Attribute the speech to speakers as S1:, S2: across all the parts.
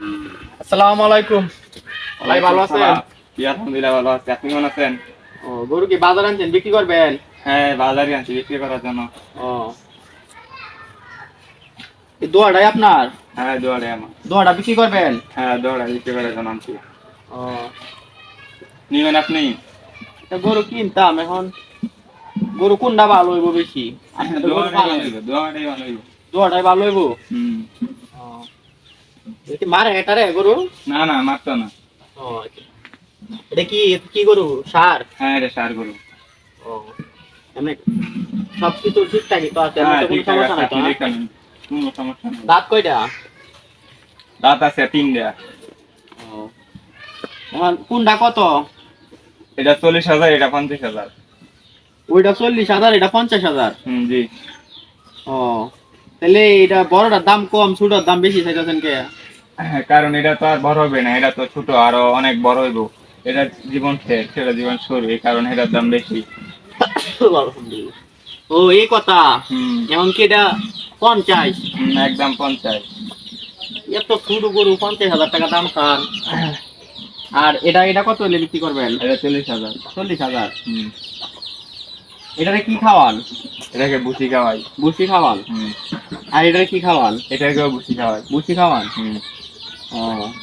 S1: আসসালামু আলাইকুম। ভাই ভালো আছেন?
S2: আলহামদুলিল্লাহ ভালো আছি। আপনি কেমন আছেন?
S1: ও, গরু কি বাজার আনছেন বিক্রি করবেন?
S2: হ্যাঁ, বাজারে আনছি বিক্রি করার জন্য।
S1: ও, এই দোয়াটাই আপনার?
S2: হ্যাঁ, দোয়ারে আমার।
S1: দোয়াটা বিক্রি করবেন?
S2: হ্যাঁ, দোয়ারে বিক্রি করার জন্য আনছি।
S1: ও,
S2: নিবেন আপনি?
S1: তা গরু কিনতাম এখন। গরু কোনটা ভালো হইব বেশি? আপনি তো গরু
S2: দোয়ারে
S1: পালেন।
S2: ভালো হইব, দোয়ারেই ভালো হইব।
S1: দোয়াটাই ভালো হইব?
S2: হুম।
S1: ও, এটা মারে এটারে গরু?
S2: না না, মারতো না।
S1: ও, এটা কি কি গরু? সার?
S2: হ্যাঁ, এটা সার গরু।
S1: ও, এমনি সবকিছু ঠিকঠাকই তো আছে, এমন
S2: হ্যাঁ,
S1: তো কোনো
S2: ঠিকঠাক
S1: সমস্যা
S2: আছে,
S1: নাই তো?
S2: আপনি
S1: হ্যাঁ?
S2: দেখে নিন। কোনো সমস্যা নেই।
S1: দাঁত কয়টা?
S2: দাঁত আছে 3টা।
S1: ও, এখন কোনটা কত?
S2: এটা 40,000, এটা 50,000।
S1: ওইটা 40,000, এটা 50,000।
S2: জি।
S1: ও, তাহলে এটা বড়টার দাম কম, ছোটটার দাম বেশি চাইতেছেন কে?
S2: হ্যাঁ, কারণ এটা তো আর বড় হবে না, এটা তো ছোট, আরো অনেক বড় হইব। এটা জীবন শেষ, সেটা জীবন শুরু, এই কারণে এটার দাম বেশি।
S1: আলহামদুলিল্লাহ। ও, এই কথা।
S2: হুম।
S1: এখন কি এটা 50?
S2: একদম 50।
S1: এত ছোট গরু 50,000 টাকা দাম স্যার। আর এটা এটা কত হলে বিক্রি করবেন?
S2: এটা 40,000।
S1: 40,000।
S2: হুম।
S1: এটারে কি খাওয়ান?
S2: এটাকে ভুসি খাওয়াই।
S1: ভুসি খাওয়ান?
S2: হুম।
S1: আর এটারে কি খাওয়ান?
S2: এটাকেও ভুসি খাওয়াই।
S1: ভুসি খাওয়ান?
S2: হুম।
S1: ও,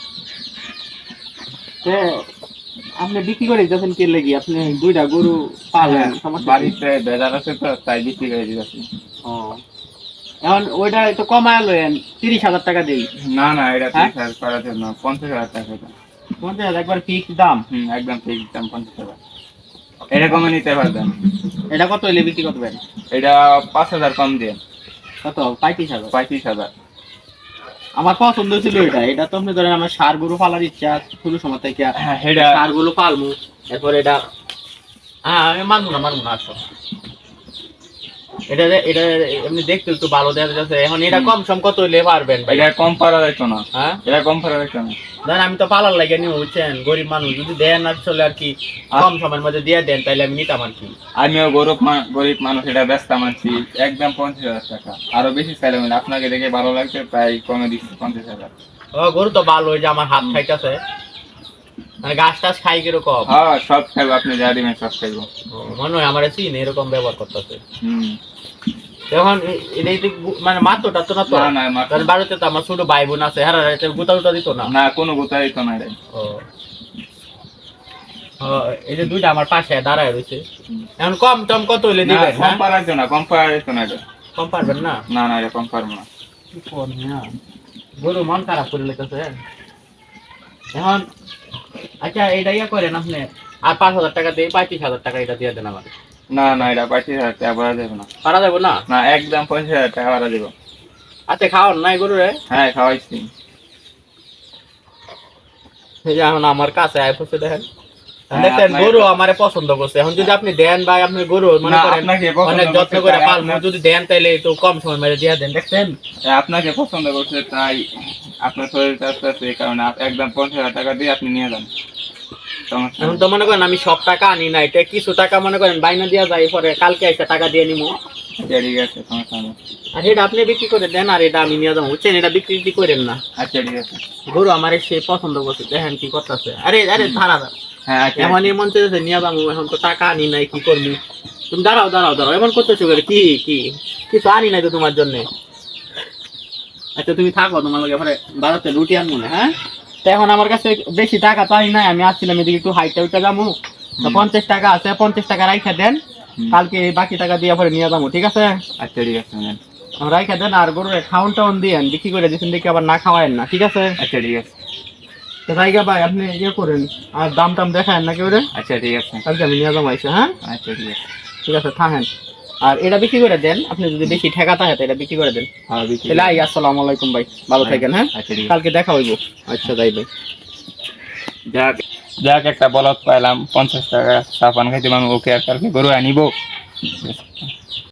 S1: তে আপনি বিক্রি করে দিতেছেন কে লেগে? আপনি দুইটা গরু পালেন, সমস্যা কি?
S2: বাড়িতে বেজার আছে তো, তাই বিক্রি করে দিতেছি।
S1: ও, এখন ওইটা একটু কমায় লয়েন, 30,000 টাকা দেই।
S2: না না, এটা
S1: হ্যাঁ?
S2: 30,000 করার জন্য 50,000 টাকা এটা।
S1: 50,000 একবার ফিক্স দাম?
S2: একদম ঠিক দাম 50,000। এটা কমে নিতে পারবেন।
S1: এটা কত হলে বিক্রি করবেন?
S2: এটা 5,000 কম দিয়ে।
S1: কত? 35,000?
S2: 35,000।
S1: আমার পছন্দ ছিল এটা। এটা তো আপনি ধরেন আমার ষাঁড় গরু পালার ইচ্ছা শুরু সময় থেকে।
S2: হ্যাঁ, এটা
S1: ষাঁড় গরু পালমু, এরপর এটা আমি মানবো না আসো। এটা এটা এমনি দেখতে একটু ভালো দেখা যাচ্ছে। এখন এটা কম সম কত হইলে পারবেন ভাই?
S2: এটা কম পারা যাইতো না।
S1: হ্যাঁ,
S2: এটা কম পারা যাইতো না।
S1: ধরেন আমি তো পালার লাগে নিব, বুঝছেন? গরিব মানুষ যদি দেন আসলে আর কি কম সময়ের মধ্যে দিয়ে দেন তাহলে আমি নিতাম আর কি।
S2: আমিও গরিব মানুষ, এটা ব্যস্ত মানছি। একদম 50,000 টাকা। আরো বেশি চাইলে মানে আপনাকে দেখে ভালো লাগছে, তাই কমে দিচ্ছি 50,000।
S1: ও, গরু তো ভালো, ওই যে আমার হাত খাইতেছে, মানে ঘাস টাস খাই কিরকম।
S2: হ্যাঁ, সব খাইবো, আপনি যা দিবেন সব খাইবো।
S1: মনে হয় আমার চিন এরকম ব্যবহার করতেছে।
S2: হুম।
S1: এখন এটা মানে মাত্রটা তো না তো?
S2: না না,
S1: কারণ বাড়িতে তো আমার ছোট ভাই বোন আছে, হ্যাঁ, গুতা গুতা দিত না।
S2: না, কোনো গোতা দিত না এটা।
S1: ও, ও, এই যে দুইটা আমার পাশে দাঁড়ায় রয়েছে। এখন কম টম কত হইলে
S2: না,
S1: দিবেন?
S2: কম
S1: হ্যাঁ,
S2: পারা যাইতো না, কম পারা যাইতো না এটা।
S1: কম পারবেন না?
S2: না না, এটা কম পারবো না।
S1: কি করবো না, গরু মন খারাপ করে লেগেছে এখন। আচ্ছা, এটা ইয়া করেন আপনি, আর 5,000 টাকা দিয়ে 35,000 টাকা এটা দিয়ে দেন আমার।
S2: না না, এটা 25,000 টাকা পারা যাবে না।
S1: পারা যাবো না?
S2: না, একদম 25,000 টাকা পারা যাবে।
S1: আচ্ছা, খাওয়ান নাই গরু রে?
S2: হ্যাঁ, খাওয়াইছি।
S1: এই যে এখন আমার কাছে আয় পড়ছে, দেখেন
S2: হ্যাঁ,
S1: দেখেন
S2: আপনাকে
S1: গরু আমারে পছন্দ করছে। এখন যদি আপনি দেন ভাই, আপনি গরু মনে
S2: না,
S1: করেন
S2: আপনাকে পছন্দ
S1: অনেক যত্ন
S2: করছে,
S1: করে
S2: তাই
S1: পালমু, যদি দেন তাইলে একটু কম সময় মেরে দিয়ে দেন, দেখছেন?
S2: আপনাকে পছন্দ করছে, তাই আপনার শরীরটা আস্তে আস্তে, এই কারণে একদম 50,000 টাকা দিয়ে আপনি নিয়ে যান। সমস্যা
S1: এখন
S2: নেই।
S1: তো মনে করেন আমি সব টাকা আনি না, এটা কিছু টাকা মনে করেন বাইনা দিয়া যায়, পরে কালকে এসে টাকা দিয়ে নিবো।
S2: আচ্ছা, ঠিক আছে, সমস্যা নেই।
S1: আর এটা আপনি বিক্রি করে দেন, আর এটা আমি নিয়ে যাবো, বুঝছেন? এটা বিক্রি করেন না।
S2: আচ্ছা, ঠিক আছে।
S1: গরু আমার সে পছন্দ করছে, দেখেন কি করতেছে। আরে আরে ধারা
S2: হ্যাঁ, আচ্ছা।
S1: এমনই মন চেয়েছে নিয়ে যাবো, এখন তো টাকা আনি নাই, কি করবি? তুমি দাঁড়াও দাঁড়াও দাঁড়াও, এমন করতেছো করে? কি কি কিছু আনি নাই তো তোমার জন্য। আচ্ছা, তুমি থাকো, তোমার লগে পরে বাজাতে রুটি আনবো না, হ্যাঁ? তো এখন আমার কাছে বেশি টাকা তো আনি নাই, আমি আসছিলাম এদিকে একটু হাইটে উঠে যাবো, তো 50 টাকা আছে, 50 টাকা রাইখা দেন, কালকে এই বাকি টাকা দিয়ে পরে নিয়ে যাবো, ঠিক আছে?
S2: আচ্ছা, ঠিক আছে, নেন।
S1: রাইখা দেন, আর গরুর খাউন টাউন দিয়েন, বিক্রি করে দিচ্ছেন দেখি আবার না খাওয়ায়েন না, ঠিক আছে?
S2: আচ্ছা, ঠিক আছে।
S1: তো জায়গা ভাই আপনি ইয়ে করেন, আর দাম টাম দেখায়েন না কেউ রে,
S2: আচ্ছা, ঠিক আছে।
S1: কালকে আমি নিয়ে যাবো আইসা, হ্যাঁ?
S2: আচ্ছা, ঠিক আছে।
S1: ঠিক আছে, থাকেন। আর এটা বিক্রি করে দেন, আপনি যদি বেশি ঠেকা থাকে তো এটা বিক্রি করে দেন।
S2: হ্যাঁ,
S1: তাহলে আই, আসসালামু আলাইকুম ভাই, ভালো থাকেন, হ্যাঁ?
S2: আচ্ছা, ঠিক আছে।
S1: কালকে দেখা হইব। আচ্ছা, যাই ভাই।
S2: যাক, যাক, একটা বলদ পাইলাম, 50 টাকা চা পান খাইতে পারবো, ওকে আর কালকে গরু আনিব।